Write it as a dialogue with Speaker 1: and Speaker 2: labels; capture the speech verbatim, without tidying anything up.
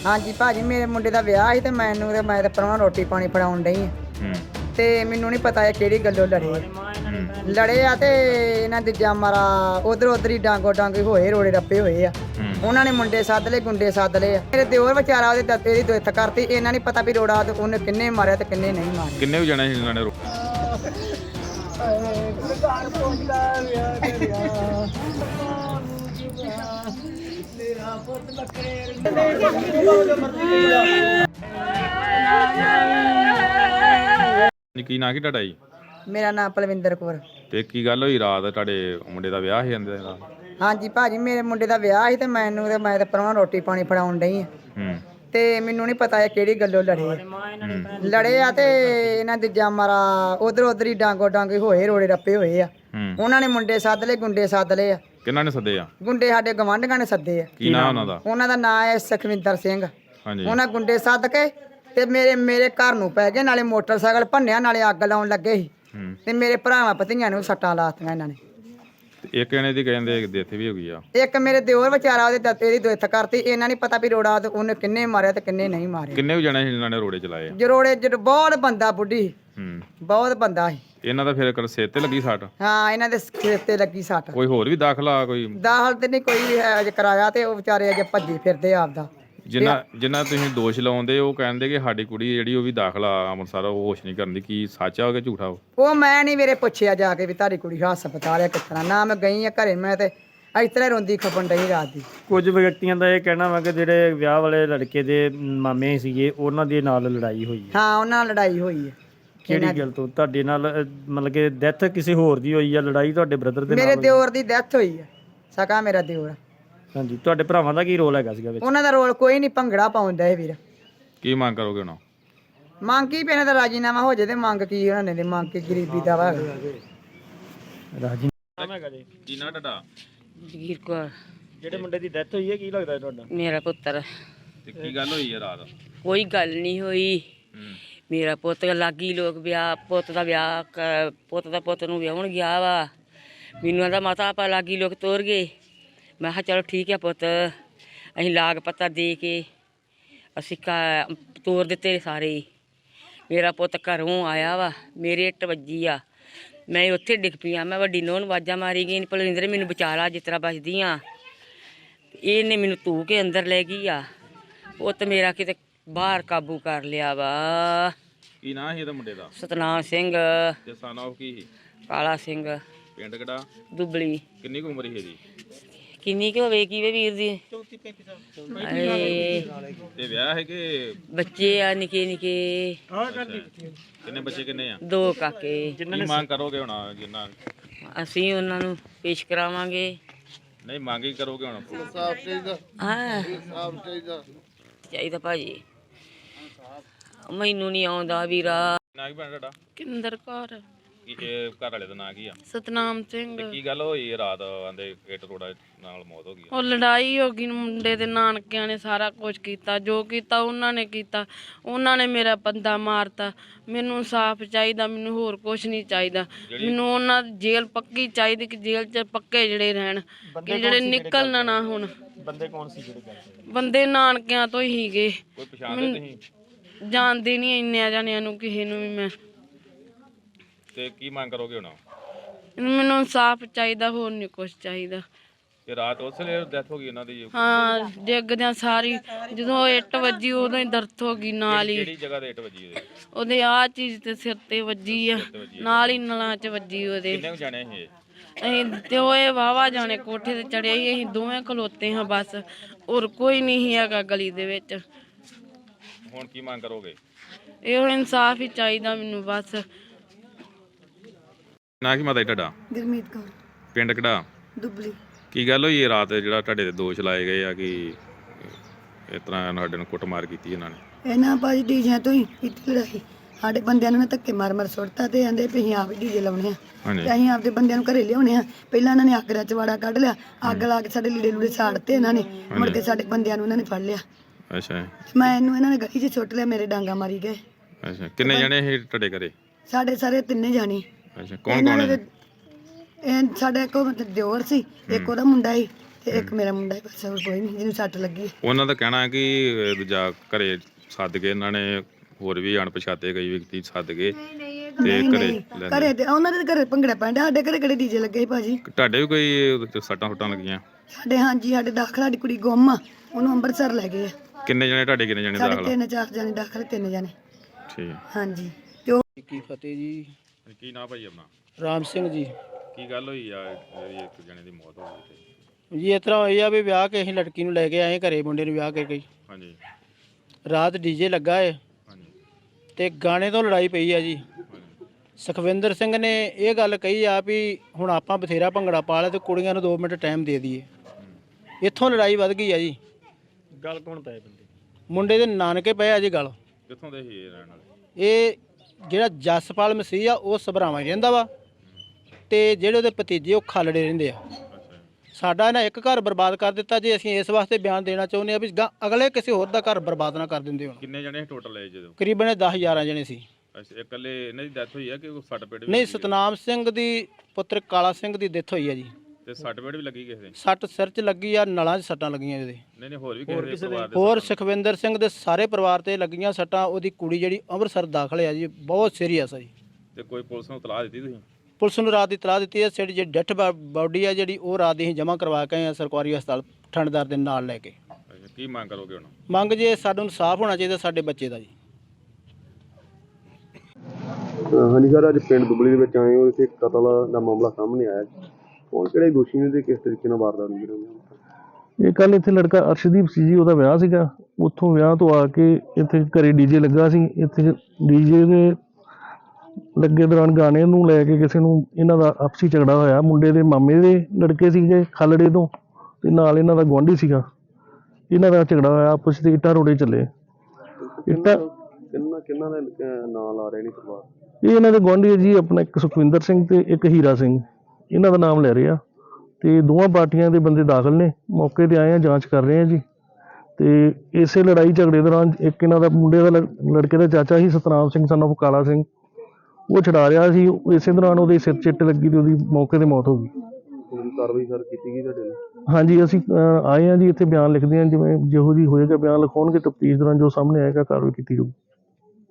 Speaker 1: हाँ जी भाजी मेरे मुंडे का विआह ही ते मैनू ते मैं ते परवां रोटी पानी फड़ाउण डई
Speaker 2: ਹੂੰ
Speaker 1: ते मैनू नहीं पता किहड़ी गल्लों लड़े आ।
Speaker 2: ਹੂੰ
Speaker 1: लड़े आ ते इन्हां दूजा मारा उधर उधर ही डांगो डांगी होए रोड़े रप्पे होए आ।
Speaker 2: ਹੂੰ
Speaker 1: ਉਹਨਾਂ ਨੇ ਮੁੰਡੇ ਸੱਦ ਲਏ ਗੁੰਡੇ ਸੱਦ ਲਏ ਆ। ਮੇਰੇ ਦਿਓਰ ਵਿਚਾਰਾ ਉਹਦੇ ਦਾਤੇ ਦੀ ਦੁੱਖ ਕਰਤੀ। ਇਹਨਾਂ ਨਹੀਂ ਪਤਾ ਵੀ ਰੋੜਾ ਤੇ ਉਹਨੇ ਕਿੰਨੇ ਮਾਰਿਆ ਤੇ ਕਿੰਨੇ ਨਹੀਂ ਮਾਰਿਆ।
Speaker 2: ਕਿੰਨੇ ਵੀ ਜਣੇ ਸੀ ਇਹਨਾਂ ਨੇ ਰੋ- ਕੀ ਨਾਂ ਕੀ ਤੁਹਾਡਾ ਜੀ?
Speaker 1: ਮੇਰਾ ਨਾਮ ਪਲਵਿੰਦਰ ਕੌਰ।
Speaker 2: ਤੇ ਕੀ ਗੱਲ ਹੋਈ ਰਾਤ ਤੁਹਾਡੇ ਮੁੰਡੇ ਦਾ ਵਿਆਹ ਸੀ ਜਾਂਦੇ ਦਾ?
Speaker 1: ਹਾਂਜੀ ਭਾਜੀ ਮੇਰੇ ਮੁੰਡੇ ਦਾ ਵਿਆਹ ਸੀ ਤੇ ਮੈਨੂੰ ਤੇ ਮੈਂ ਤੇ ਪਰਵਾਂ ਰੋਟੀ ਪਾਣੀ ਫੜਾਉਣ ਡਈ ਆ
Speaker 2: ਹੂੰ
Speaker 1: ਤੇ ਮੈਨੂੰ ਨਹੀਂ ਪਤਾ ਇਹ ਕਿਹੜੀ ਗੱਲੋਂ ਲੜੇ ਆ।
Speaker 2: ਹੂੰ
Speaker 1: ਲੜੇ ਆ ਤੇ ਇਹਨਾਂ ਦੂਜਾ ਮਾਰਾ ਉਧਰ ਉਧਰ ਹੀ ਡਾਂਗੋ ਡਾਂਗੀ ਹੋਏ ਰੋੜੇ ਰੱਪੇ ਹੋਏ ਆ।
Speaker 2: ਹੂੰ
Speaker 1: ਉਹਨਾਂ ਨੇ ਮੁੰਡੇ ਸੱਦ ਲਏ ਗੁੰਡੇ ਸੱਦ ਲਏ ਆ।
Speaker 2: ਕਿੰਨਾਂ ਨੇ ਸੱਦੇ ਆ?
Speaker 1: ਗੁੰਡੇ ਸਾਡੇ ਗਵਾਂਢੀਆਂ ਨੇ ਸੱਦੇ ਆ।
Speaker 2: ਕੀ ਨਾਂ ਉਹਨਾਂ ਦਾ?
Speaker 1: ਉਹਨਾਂ ਦਾ ਨਾਂ ਹੈ ਸੁਖਵਿੰਦਰ ਸਿੰਘ।
Speaker 2: ਹਾਂਜੀ
Speaker 1: ਉਹਨਾਂ ਗੁੰਡੇ ਸੱਦ ਕੇ ਤੇ ਮੇਰੇ ਮੇਰੇ ਘਰ ਨੂੰ ਪੈ ਗਏ, ਨਾਲੇ ਮੋਟਰਸਾਈਕਲ ਭੰਨਿਆ ਨਾਲੇ ਅੱਗ ਲਾਉਣ ਲੱਗੇ ਸੀ
Speaker 2: ਹੂੰ
Speaker 1: ਤੇ ਮੇਰੇ ਭਰਾਵਾਂ ਭਤੀਆਂ ਨੂੰ ਸੱਟਾਂ ਲਾਤੀਆਂ ਇਹਨਾਂ ਨੇ।
Speaker 2: ਤੇ ਇੱਕ ਜਣੇ ਦੀ ਕਹਿੰਦੇ ਡੈਥ ਵੀ ਹੋ ਗਈ ਆ।
Speaker 1: ਇੱਕ ਮੇਰੇ ਦਿਓਰ ਵਿਚਾਰਾ ਉਹਦੇ ਦਾਤੇ ਦੀ ਦੁੱਖ ਕਰਤੀ। ਇਹਨਾਂ ਨਹੀਂ ਪਤਾ ਵੀ ਰੋੜਾ ਤੇ ਉਹਨੇ ਕਿੰਨੇ ਮਾਰਿਆ ਤੇ ਕਿੰਨੇ ਨਹੀਂ ਮਾਰਿਆ।
Speaker 2: ਕਿੰਨੇ ਵੀ ਜਣੇ ਸੀ ਇਹਨਾਂ ਨੇ ਰੋੜੇ ਚਲਾਏ ਆ?
Speaker 1: ਜਰੋੜੇ ਜਰ ਬਹੁਤ ਬੰਦਾ ਬੁੱਢੀ
Speaker 2: ਹੂੰ
Speaker 1: ਬਹੁਤ ਬੰਦਾ ਸੀ।
Speaker 2: ਇਹਨਾਂ ਦਾ ਫਿਰ ਕਰ ਸਿਰ ਤੇ ਲੱਗੀ ਸੱਟ?
Speaker 1: ਹਾਂ ਇਹਨਾਂ ਦੇ ਸਿਰ ਤੇ ਲੱਗੀ ਸੱਟ।
Speaker 2: ਕੋਈ ਹੋਰ ਵੀ ਦਾਖਲਾ ਕੋਈ?
Speaker 1: ਦਾਖਲ ਤੇ ਨਹੀਂ ਕੋਈ ਹੈ ਅਜੇ ਕਰਾਇਆ ਤੇ ਉਹ ਵਿਚਾਰੇ ਅਜੇ ਭੱਜੇ ਫਿਰਦੇ ਆਪਦਾ।
Speaker 2: ਜਿਨ੍ਹਾਂ ਜਿਨ੍ਹਾਂ ਤੁਸੀਂ ਦੋਸ਼ ਲਾਉਂਦੇ ਉਹ ਕਹਿੰਦੇ ਕਿ ਸਾਡੀ ਕੁੜੀ ਜਿਹੜੀ ਉਹ ਵੀ ਦਾਖਲਾ ਅੰਮ੍ਰਿਤਸਰ ਉਹ ਹੋਸ਼ ਨਹੀਂ ਕਰਦੀ। ਕੀ ਸੱਚ ਆ ਕਿ ਝੂਠਾ? ਉਹ
Speaker 1: ਉਹ ਮੈਂ ਨਹੀਂ ਮੇਰੇ ਪੁੱਛਿਆ ਜਾ ਕੇ ਵੀ ਤੁਹਾਡੀ ਕੁੜੀ ਹਸਪਤਾਲ ਹੈ ਕਿਸ ਤਰ੍ਹਾਂ। ਨਾ ਮੈਂ ਗਈ ਆ ਘਰੇ, ਮੈਂ ਤੇ ਇਸ ਤਰ੍ਹਾਂ ਰੋਂਦੀ ਖਪਣ ਡਈ ਰਾਤ ਦੀ।
Speaker 3: ਕੁਝ ਵਿਅਕਤੀਆਂ ਦਾ ਇਹ ਕਹਿਣਾ ਵਾ ਕਿ ਜਿਹੜੇ ਵਿਆਹ ਵਾਲੇ ਲੜਕੇ ਦੇ ਮਾਮੇ ਸੀਗੇ ਉਹਨਾਂ ਦੇ ਨਾਲ ਲੜਾਈ ਹੋਈ ਹੈ।
Speaker 1: ਹਾਂ ਉਹਨਾਂ ਨਾਲ ਲੜਾਈ ਹੋਈ ਹੈ।
Speaker 3: ਕਿਹੜੀ ਗੱਲ ਤੋਂ? ਤੁਹਾਡੇ ਨਾਲ ਅਹ, ਮਤਲਬ ਕਿ ਡੈਥ ਕਿਸੇ ਹੋਰ ਦੀ ਹੋਈ ਆ? ਲੜਾਈ ਤੁਹਾਡੇ ਬ੍ਰਦਰ ਦੇ
Speaker 1: ਮੇਰੇ
Speaker 3: ਨਾਲ?
Speaker 1: ਦਿਓਰ ਦੀ ਡੈਥ ਹੋਈ ਹੈ, ਸਕਾ ਮੇਰਾ ਦਿਓਰ।
Speaker 3: ਹਾਂਜੀ, ਤੁਹਾਡੇ ਭਰਾਵਾਂ ਦਾ ਕੀ ਰੋਲ ਹੈਗਾ ਸੀਗਾ ਵਿੱਚ?
Speaker 1: ਉਹਨਾਂ ਦਾ ਰੋਲ ਕੋਈ ਨਹੀਂ, ਭੰਗੜਾ ਪਾਉਂਦਾ ਇਹ ਵੀਰ।
Speaker 2: ਕੀ ਮੰਗ ਕਰੋਗੇ ਹੁਣ?
Speaker 1: ਮੰਗ ਕੀ ਪੈਣਾ ਤਾਂ ਰਾਜੀਨਾਮਾ ਹੋ ਜੇ ਤੇ ਮੰਗ ਕੀ ਉਹਨਾਂ ਨੇ ਤੇ ਮੰਗ ਕੇ ਗਰੀਬੀ ਦਾ ਵਾ।
Speaker 3: ਰਾਜੀ ਨਾਮ ਹੈਗਾ ਜੀ?
Speaker 2: ਕੀ ਨਾਂ ਤੁਹਾਡਾ?
Speaker 4: ਜਗੀਰ ਕੌਰ
Speaker 3: ਜਿਹੜੇ ਮੁੰਡੇ ਦੀ ਡੈਥ ਹੋਈ ਹੈ ਕੀ ਲੱਗਦਾ ਤੁਹਾਡਾ?
Speaker 4: ਮੇਰਾ ਪੁੱਤਰ।
Speaker 2: ਤੇ ਕੀ ਗੱਲ ਹੋਈ ਹੈ ਰਾਤ?
Speaker 4: ਕੋਈ ਗੱਲ ਨਹੀਂ ਹੋਈ।
Speaker 2: ਹੂੰ
Speaker 4: ਮੇਰਾ ਪੁੱਤ ਲਾਗੀ ਲੋਕ ਵਿਆਹ ਪੁੱਤ ਦਾ ਵਿਆਹ ਕ- ਪੁੱਤ ਦਾ ਪੁੱਤ ਨੂੰ ਵਿਆਹਣ ਗਿਆ ਵਾ। ਮੈਨੂੰ ਆਂਦਾ ਮਾਤਾ ਆਪਾਂ ਲਾਗੀ ਲੋਕ ਤੋਰ ਗਏ। ਮੈਂ ਕਿਹਾ ਚਲੋ ਠੀਕ ਹੈ ਪੁੱਤ। ਅਸੀਂ ਲਾਗ ਪੱਤਾ ਦੇ ਕੇ ਅਸੀਂ ਘ- ਤੋਰ ਦਿੱਤੇ ਸਾਰੇ ਹੀ। ਮੇਰਾ ਪੁੱਤ ਘਰੋਂ ਆਇਆ ਵਾ, ਮੇਰੇ ਇੱਟ ਵੱਜੀ ਆ, ਮੈਂ ਉੱਥੇ ਡਿੱਗ ਪਈ ਆ। ਮੈਂ ਵੱਡੀ ਨੂੰਹ ਨੂੰ ਆਵਾਜ਼ਾਂ ਮਾਰੀ ਗਈ, ਭਲਿੰਦਰ ਮੈਨੂੰ ਬਚਾ ਲਾ ਜਿਸ ਤਰ੍ਹਾਂ ਬਚਦੀ ਆ। ਇਹਨੇ ਮੈਨੂੰ ਧੂ ਕੇ ਅੰਦਰ ਲੈ ਗਈ ਆ। ਪੁੱਤ ਮੇਰਾ ਕਿਤੇ ਬਾਹਰ ਕਾਬੂ ਕਰ ਲਿਆ ਵਾ।
Speaker 2: ਕੀ ਨਾਂ ਸੀ ਇਹਦੇ ਮੁੰਡੇ ਦਾ?
Speaker 4: ਸਤਨਾਮ ਸਿੰਘ,
Speaker 2: ਤੇ ਸਨ ਆਫ ਕੀ ਸੀ?
Speaker 4: ਕਾਲਾ ਸਿੰਘ,
Speaker 2: ਪਿੰਡ ਕਿਹੜਾ?
Speaker 4: ਦੁਬਲੀ।
Speaker 2: ਕਿੰਨੀ ਕੁ ਉਮਰ ਸੀ ਇਹਦੀ?
Speaker 4: ਕਿੰਨੀ ਕੁ ਹੋਵੇ ਕੀ ਵੇ ਵੀਰ ਦੀ? ਹਾਏ,
Speaker 2: ਤੇ ਵਿਆਹ ਹੈ ਕਿ?
Speaker 4: ਬੱਚੇ ਆ ਨਿੱਕੇ ਨਿੱਕੇ,
Speaker 2: ਕਿੰਨੇ ਬੱਚੇ ਕਿੰਨੇ ਆ?
Speaker 4: ਦੋ ਕਾਕੇ।
Speaker 2: ਕੀ ਮੰਗ ਕਰੋਗੇ ਹੁਣ? ਜਿੰਨਾ
Speaker 4: ਅਸੀਂ ਉਹਨਾਂ ਨੂੰ ਪੇਸ਼ ਕਰਾਵਾਂਗੇ।
Speaker 2: ਨਹੀਂ ਮੰਗ ਹੀ ਕਰੋਗੇ ਹੁਣ?
Speaker 4: ਹਾਂ ਚਾਹੀਦਾ ਭਾਜੀ। ਮੈਨੂੰ ਨਹੀਂ ਆਉਂਦਾ ਵੀਰਾ।
Speaker 2: ਨਾਂ ਕੀ ਭੈਣ ਤੁਹਾਡਾ?
Speaker 5: ਕਿੰਦਰ ਕੌਰ।
Speaker 2: ਕੀ ਇਹ ਘਰ ਵਾਲੇ ਦਾ ਨਾਂ ਕੀ ਆ?
Speaker 5: ਸਤਨਾਮ ਸਿੰਘ।
Speaker 2: ਤੇ ਕੀ ਗੱਲ ਹੋਈ ਰਾਤ? ਆਂਦੇ ਇੱਟ ਰੋੜਾ ਨਾਲ ਮੌਤ ਹੋ ਗਈ।
Speaker 5: ਉਹ ਲੜਾਈ ਹੋ ਗਈ, ਮੁੰਡੇ ਦੇ ਨਾਨਕਿਆਂ ਨੇ ਸਾਰਾ ਕੁਝ ਕੀਤਾ, ਜੋ ਕੀਤਾ ਉਹਨਾਂ ਨੇ ਕੀਤਾ। ਉਹਨਾਂ ਨੇ ਮੇਰਾ ਬੰਦਾ ਮਾਰਤਾ। ਮੈਨੂੰ ਇਨਸਾਫ ਚਾਹੀਦਾ, ਮੈਨੂੰ ਹੋਰ ਕੁਝ ਨਹੀਂ ਚਾਹੀਦਾ। ਮੈਨੂੰ ਉਹਨਾਂ ਦੀ ਜੇਲ੍ਹ ਪੱਕੀ ਚਾਹੀਦੀ ਕਿ ਜੇਲ੍ਹ 'ਚ ਪੱਕੇ ਜਿਹੜੇ ਰਹਿਣ, ਕਿ ਜਿਹੜੇ ਨਿਕਲਣ ਨਾ ਹੁਣ।
Speaker 3: ਬੰਦੇ ਕੌਣ ਸੀ ਜਿਹੜੇ ਕਰਦੇ?
Speaker 5: ਬੰਦੇ ਨਾਨਕਿਆਂ ਤੋਂ ਹੀ ਗਏ,
Speaker 2: ਕੋਈ ਪਛਾਣਦੇ ਤੁਸੀਂ?
Speaker 5: ਜਾਣਦੇ ਨਹੀਂ ਇੰਨਿਆਂ ਜਾਣਿਆਂ ਨੂੰ ਕਿਸੇ ਨੂੰ ਵੀ ਮੈਂ।
Speaker 2: ਤੇ ਕੀ ਮੰਗ ਕਰੋਗੇ ਹੁਣ?
Speaker 5: ਮੈਨੂੰ ਇਨਸਾਫ ਚਾਹੀਦਾ, ਹੋਰ ਨਹੀਂ ਕੁਝ ਚਾਹੀਦਾ।
Speaker 2: ਤੇ ਰਾਤ ਉਸ ਵੇਲੇ ਡੈਥ ਹੋ ਗਈ ਇਹਨਾਂ ਦੀ?
Speaker 5: ਹਾਂ ਡਿੱਗਦਿਆਂ ਸਾਰੀ ਜਦੋਂ ਇੱਟ ਵੱਜੀ ਉਦੋਂ ਹੀ ਦਰਦ ਹੋ ਗਈ ਨਾਲ ਹੀ।
Speaker 2: ਕਿਹੜੀ ਜਗ੍ਹਾ ਤੇ ਇੱਟ ਵੱਜੀ ਇਹਦੇ?
Speaker 5: ਉਹਦੇ ਆਹ ਚੀਜ਼ ਤੇ ਸਿਰ ਤੇ ਵੱਜੀ ਆ, ਨਾਲ ਹੀ ਨਲਾਂ 'ਚ ਵੱਜੀ ਉਹਦੇ।
Speaker 2: ਕਿੰਨੇ ਕੁ ਜਾਣੇ ਸੀ ਇਹ?
Speaker 5: ਅਸੀਂ ਤੇ ਉਹ ਇਹ ਵਾਵਾ ਜਾਣੇ ਕੋਠੇ ਤੇ ਚੜਿਆ ਹੀ, ਅਸੀਂ ਦੋਵੇਂ ਖਲੋਤੇ ਹਾਂ ਬਸ, ਹੋਰ ਕੋਈ ਨਹੀਂ ਸੀ ਹੈਗਾ ਗਲੀ ਦੇ ਵਿੱਚ।
Speaker 2: ਹੁਣ ਕੀ ਮੰਗ ਕਰੋਗੇ?
Speaker 5: ਇਹੋ ਇਨਸਾਫ ਹੀ ਚਾਹੀਦਾ ਮੈਨੂੰ ਬਸ।
Speaker 2: ਨਾਂ ਕੀ ਮਾਤਾ ਜੀ ਤੁਹਾਡਾ?
Speaker 1: ਗੁਰਮੀਤ ਕੌਰ,
Speaker 2: ਪਿੰਡ ਕਿਹੜਾ?
Speaker 1: ਦੁਬਲੀ।
Speaker 2: ਕੀ ਗੱਲ ਹੋਈ ਇਹ ਰਾਤ ਜਿਹੜਾ ਤੁਹਾਡੇ ਤੇ ਦੋਸ਼ ਲਾਏ ਗਏ ਆ ਕਿ ਇਸ ਤਰ੍ਹਾਂ ਸਾਡੇ ਨੂੰ ਕੁੱਟਮਾਰ ਕੀਤੀ ਇਹਨਾਂ ਨੇ?
Speaker 1: ਇਹਨਾਂ ਭਾਜੀ ਡੀਜਿਆਂ ਤੋਂ ਹੀ ਕੀਤੀ ਲੜਾਈ। ਸਾਡੇ ਬੰਦਿਆਂ ਨੂੰ ਨਾ ਧੱਕੇ ਮਾਰ ਮਾਰ ਸੁੱਟਤਾ ਤੇ ਕਹਿੰਦੇ ਵੀ ਅਸੀਂ ਆਪ ਹੀ ਡੀਜੇ ਲਾਉਣੇ ਆ
Speaker 2: ਹਾਂਜੀ
Speaker 1: ਤੇ ਅਸੀਂ ਆਪਦੇ ਬੰਦਿਆਂ ਨੂੰ ਘਰੇ ਲਿਆਉਣੇ ਆ। ਪਹਿਲਾਂ ਇਹਨਾਂ ਨੇ ਅੱਗ ਦਾ ਚਵਾੜਾ ਕੱਢ ਲਿਆ, ਅੱਗ ਲਾ ਕੇ ਸਾਡੇ ਲੀੜੇ ਲੂੜੇ ਸਾੜਤੇ ਇਹਨਾਂ ਨੇ। ਮੁੜ ਕੇ ਸਾਡੇ ਬੰਦਿਆਂ ਨੂੰ ਇਹਨਾਂ ਨੇ ਫੜ ਲਿਆ।
Speaker 2: ਅੱਛਾ
Speaker 1: ਮੈਂ ਇਹਨੂੰ ਇਹਨਾਂ ਨੇ ਗਲੀ 'ਚ ਸੁੱਟ ਲਿਆ, ਮੇਰੇ ਡਾਂਗਾ ਮਾਰੀ ਗਏ।
Speaker 2: ਅੱਛਾ ਕਿੰਨੇ ਜਣੇ ਸੀ ਤੁਹਾਡੇ ਘਰੇ?
Speaker 1: ਸਾਡੇ ਸਾਰੇ ਤਿੰਨੇ ਜਾਣੀ।
Speaker 2: ਅੱਛਾ ਕੌਣ ਕੌਣ ਹੈ?
Speaker 1: ਇਹ ਸਾਡੇ ਇੱਕ ਦਿਓਰ ਸੀ, ਇੱਕ ਉਹਦਾ ਮੁੰਡਾ ਸੀ ਤੇ ਇੱਕ ਮੇਰਾ ਮੁੰਡਾ ਹੀ ਬਸ, ਹੋਰ ਕੋਈ ਨਹੀਂ ਜਿਹਨੂੰ ਸੱਟ ਲੱਗੀ।
Speaker 2: ਉਹਨਾਂ ਦਾ ਕਹਿਣਾ ਹੈ ਕਿ ਅਹ, ਦੂਜਾ ਘਰੇ ਸੱਦ ਕੇ ਇਹਨਾਂ ਨੇ ਹੋਰ ਵੀ ਅਣਪਛਾਤੇ ਕਈ ਵਿਅਕਤੀ ਸੱਦ ਕੇ ਤੇ
Speaker 1: ਨਹੀਂ
Speaker 2: ਘਰੇ
Speaker 1: ਨਹੀਂ
Speaker 2: ਲੈਂਦੇ।
Speaker 1: ਘਰੇ ਤੇ ਉਹਨਾਂ ਦੇ ਤਾਂ ਘਰੇ ਭੰਗੜਾ ਪੈਂਦਾ, ਸਾਡੇ ਘਰੇ ਕਿਹੜੇ ਡੀਜੇ ਲੱਗੇ ਸੀ ਭਾਜੀ।
Speaker 2: ਤੁਹਾਡੇ ਵੀ ਕੋਈ ਉਹਦੇ ਤੇ ਸੱਟਾਂ ਫੁੱਟਾਂ ਲੱਗੀਆਂ?
Speaker 1: ਸਾਡੇ ਹਾਂਜੀ ਸਾਡੇ ਦਾਖਲ ਸਾਡੀ ਕੁੜੀ ਗੁੰਮ ਆ, ਉਹਨੂੰ ਅੰਮ੍ਰਿਤਸਰ ਲੈ ਗਏ ਆ।
Speaker 2: ਕਿੰਨੇ ਜਣੇ ਤੁਹਾਡੇ ਕਿੰਨੇ ਜਣੇ
Speaker 1: ਸਾਡੇ
Speaker 2: ਦਾਖਲ ਆ?
Speaker 1: ਤਿੰਨ ਚਾਰ ਜਾਣੇ ਦਾਖਲ, ਤਿੰਨ ਜਾਣੇ
Speaker 2: ਠੀਕ ਹੈ।
Speaker 1: ਹਾਂਜੀ। ਤੇ ਉਹ
Speaker 6: ਕੀ ਫਤਿਹ ਜੀ।
Speaker 2: ਕੀ ਨਾਂ ਭਾਈ ਆਪਣਾ?
Speaker 6: ਰਾਮ ਸਿੰਘ ਜੀ।
Speaker 2: ਕੀ ਗੱਲ ਹੋਈ ਆ ਜਿਹੜੀ ਇੱਕ ਜਣੇ ਦੀ ਮੌਤ ਹੋ ਗਈ ਤੇ?
Speaker 6: ਜੀ ਇਸ ਤਰ੍ਹਾਂ ਹੋਈ ਆ ਵੀ ਵਿਆਹ ਕੇ ਅਸੀਂ ਲੜਕੀ ਨੂੰ ਲੈ ਕੇ ਆਏ ਘਰੇ, ਮੁੰਡੇ ਨੂੰ ਵਿਆਹ ਕੇ ਗਈ।
Speaker 2: ਹਾਂਜੀ
Speaker 6: ਰਾਤ ਡੀਜੇ ਲੱਗਾ ਏ
Speaker 2: ਹਾਂਜੀ
Speaker 6: ਤੇ ਗਾਣੇ ਤੋਂ ਲੜਾਈ ਪਈ ਆ ਜੀ।
Speaker 2: ਹਾਂਜੀ
Speaker 6: ਸੁਖਵਿੰਦਰ ਸਿੰਘ ਨੇ ਇਹ ਗੱਲ ਕਹੀ ਆ ਵੀ ਹੁਣ ਆਪਾਂ ਬਥੇਰਾ ਭੰਗੜਾ ਪਾ ਲਿਆ ਤੇ ਕੁੜੀਆਂ ਨੂੰ ਦੋ ਮਿੰਟ ਟਾਈਮ ਦੇ ਦਈਏ। ਇੱਥੋਂ ਲੜਾਈ ਵੱਧ ਗਈ ਆ ਜੀ।
Speaker 3: ਗੱਲ ਕੌਣ ਪਏ ਬੰਦੇ?
Speaker 6: ਮੁੰਡੇ ਦੇ ਨਾਨਕੇ ਪਏ ਆ ਜੀ ਗੱਲ।
Speaker 2: ਕਿੱਥੋਂ ਦੇ ਸੀ ਇਹ ਰਹਿਣ ਵਾਲੇ?
Speaker 6: ਇਹ ਜਿਹੜਾ ਜਸਪਾਲ ਮਸੀਹ ਆ ਉਹ ਸਭਰਾਵਾਂ ਹੀ ਰਹਿੰਦਾ ਵਾ ਤੇ ਜਿਹੜੇ ਉਹਦੇ ਭਤੀਜੇ ਉਹ ਖਾਲੜੇ ਰਹਿੰਦੇ ਆ।
Speaker 2: ਅੱਛਾ
Speaker 6: ਸਾਡਾ ਨਾ ਇੱਕ ਘਰ ਬਰਬਾਦ ਕਰ ਦਿੱਤਾ ਜੀ। ਅਸੀਂ ਇਸ ਵਾਸਤੇ ਬਿਆਨ ਦੇਣਾ ਚਾਹੁੰਦੇ ਆ ਵੀ ਗਾਂ ਅਗਲੇ ਕਿਸੇ ਹੋਰ ਦਾ ਘਰ ਬਰਬਾਦ ਨਾ ਕਰ ਦਿੰਦੇ ਹੋਣ।
Speaker 2: ਕਿੰਨੇ ਜਣੇ ਟੋਟਲ ਆਏ ਜਦੋਂ?
Speaker 6: ਕਰੀਬਨ ਦਸ ਗਿਆਰਾਂ ਜਣੇ ਸੀ।
Speaker 2: ਅੱਛਾ ਇਕੱਲੇ ਇਹਨਾਂ ਦੀ ਡੈਥ ਹੋਈ ਆ ਕਿ ਕੋਈ ਸੱਟ ਪੇਟ ਵੀ
Speaker 6: ਨਹੀਂ,
Speaker 2: ਲੱਗੀ ਹੈ?
Speaker 6: ਸਤਨਾਮ ਸਿੰਘ ਦੀ ਪੁੱਤਰ ਕਾਲਾ ਸਿੰਘ ਦੀ ਡੈਥ ਹੋਈ ਆ ਜੀ।
Speaker 2: ਤੇ ਸੱਟ ਪੇਟ ਵੀ ਲੱਗੀ ਕਿਸੇ ਦੇ?
Speaker 6: ਸੱਟ ਸਿਰ 'ਚ ਲੱਗੀ ਆ, ਨਲਾਂ 'ਚ ਸੱਟਾਂ ਲੱਗੀਆਂ ਇਹਦੇ।
Speaker 2: ਨਹੀਂ ਨਹੀਂ ਹੋਰ ਵੀ ਕਿਸੇ ਦੇ ਪਰਿਵਾਰ ਦੇ
Speaker 6: ਹੋਰ
Speaker 2: ਸੱਟਾਂ
Speaker 6: ਸੁਖਵਿੰਦਰ ਸਿੰਘ ਦੇ ਸਾਰੇ ਪਰਿਵਾਰ ਤੇ ਲੱਗੀਆਂ ਸੱਟਾਂ। ਉਹਦੀ ਕੁੜੀ ਜਿਹੜੀ ਅੰਮ੍ਰਿਤਸਰ ਦਾਖਲ ਆ ਜੀ, ਬਹੁਤ ਸੀਰੀਅਸ ਆ ਜੀ।
Speaker 2: ਤੇ ਕੋਈ ਪੁਲਿਸ ਨੂੰ ਇਤਲਾਹ ਦਿੱਤੀ ਤੁਸੀਂ?
Speaker 6: ਪੁਲਿਸ ਨੂੰ ਰਾਤ ਦੀ ਇਤਲਾਹ ਦਿੱਤੀ ਹੈ। ਜਿਹੜੀ ਜਿਹੜੀ ਡੈਥ ਬਾਡੀ ਆ ਜਿਹੜੀ ਉਹ ਰਾਤ ਦੀ ਅਸੀਂ ਜਮ੍ਹਾਂ ਕਰਵਾ ਕੇ ਆਏ ਆ ਸਰਕਾਰੀ ਹਸਪਤਾਲ ਠੰਡਦਾਰ ਦੇ ਨਾਲ ਲੈ ਕੇ।
Speaker 2: ਅੱਛਾ ਕੀ ਮੰਗ ਕਰੋਗੇ ਹੁਣ?
Speaker 6: ਮੰਗ ਜੇ ਸਾਨੂੰ ਇਨਸਾਫ ਹੋਣਾ ਚਾਹੀਦਾ ਸਾਡੇ ਬੱਚੇ ਦਾ ਜੀ।
Speaker 7: ਹਾਂਜੀ ਸਰ, ਅੱਜ ਪਿੰਡ ਦੁਬਲੀ ਦੇ ਵਿੱਚ ਆਏ ਹੋ। ਇੱਥੇ ਕਤਲ ਦਾ ਮਾਮਲਾ ਸਾਹਮਣੇ ਆਇਆ। ਕੌਣ ਕਿਹੜੇ ਦੋਸ਼ੀ ਨੇ ਤੇ ਕਿਸ ਤਰੀਕੇ ਨਾਲ ਵਾਰਦਾਤ ਹੋਈ ਹੈ?
Speaker 8: ਇਹ ਕੱਲ ਇੱਥੇ ਲੜਕਾ ਅਰਸ਼ਦੀਪ ਸੀ ਜੀ, ਉਹਦਾ ਵਿਆਹ ਸੀਗਾ। ਉੱਥੋਂ ਵਿਆਹ ਤੋਂ ਆ ਕੇ ਇੱਥੇ ਘਰੇ ਡੀਜੇ ਲੱਗਾ ਸੀ। ਇੱਥੇ ਡੀਜੇ ਦੇ ਲੱਗੇ ਦੌਰਾਨ ਗਾਣੇ ਨੂੰ ਲੈ ਕੇ ਕਿਸੇ ਨੂੰ ਇਹਨਾਂ ਦਾ ਆਪਸੀ ਝਗੜਾ ਹੋਇਆ। ਮੁੰਡੇ ਦੇ ਮਾਮੇ ਦੇ ਲੜਕੇ ਸੀਗੇ ਖਾਲੜੇ ਤੋਂ, ਤੇ ਨਾਲ ਇਹਨਾਂ ਦਾ ਗੁਆਂਢੀ ਸੀਗਾ। ਇਹਨਾਂ ਦਾ ਝਗੜਾ ਹੋਇਆ, ਆਪਸ ਵਿੱਚ ਇੱਟਾਂ ਰੋੜੇ ਚੱਲੇ। ਇੱਟਾਂ
Speaker 7: ਕਿੰਨਾ ਕਿੰਨਾ ਦੇ ਨਾਂ ਲਾ ਰਹੇ ਨੇ ਪਰਿਵਾਰ?
Speaker 8: ਇਹ ਇਹਨਾਂ ਦੇ ਗੁਆਂਢੀ ਹੈ ਜੀ, ਆਪਣਾ ਇੱਕ ਸੁਖਵਿੰਦਰ ਸਿੰਘ ਤੇ ਇੱਕ ਹੀਰਾ ਸਿੰਘ, ਇਹਨਾਂ ਦਾ ਨਾਮ ਲੈ ਰਹੇ ਆ। ਤੇ ਦੋਵਾਂ ਪਾਰਟੀਆਂ ਦੇ ਬੰਦੇ ਦਾਖਲ ਨੇ, ਮੌਕੇ ਤੇ ਆਏ ਆ, ਜਾਂਚ ਕਰ ਰਹੇ ਆ ਜੀ। ਤੇ ਇਸੇ ਲੜਾਈ ਝਗੜੇ ਦੌਰਾਨ ਇੱਕ ਇਹਨਾਂ ਦਾ ਮੁੰਡੇ ਦਾ ਲੜ- ਲੜਕੇ ਦਾ ਚਾਚਾ ਸੀ ਸਤਨਾਮ ਸਿੰਘ son of ਕਾਲਾ ਸਿੰਘ, ਉਹ ਛਡਾ ਰਿਹਾ ਸੀ। ਇਸੇ ਦੌਰਾਨ ਉਹਦੇ ਸਿਰ 'ਚ ਇੱਟ ਲੱਗੀ ਤੇ ਉਹਦੀ ਮੌਕੇ ਤੇ ਮੌਤ ਹੋ ਗਈ।
Speaker 7: ਪੂਰੀ ਕਾਰਵਾਈ ਸਰ ਕੀਤੀ ਗਈ ਤੁਹਾਡੇ ਨਾਲ?
Speaker 8: ਹਾਂਜੀ, ਅਸੀਂ ਅਹ, ਆਏ ਹਾਂ ਜੀ, ਇੱਥੇ ਬਿਆਨ ਲਿਖਦੇ ਹਾਂ। ਜਿਵੇਂ ਜਿਹੋ ਜਿਹੀ ਹੋਏਗਾ ਬਿਆਨ ਲਿਖਾਉਣਗੇ, ਤਫਤੀਸ਼ ਦੌਰਾਨ ਜੋ ਸਾਹਮਣੇ ਆਏਗਾ ਕਾਰਵਾਈ ਕੀਤੀ ਜਾਊਗੀ।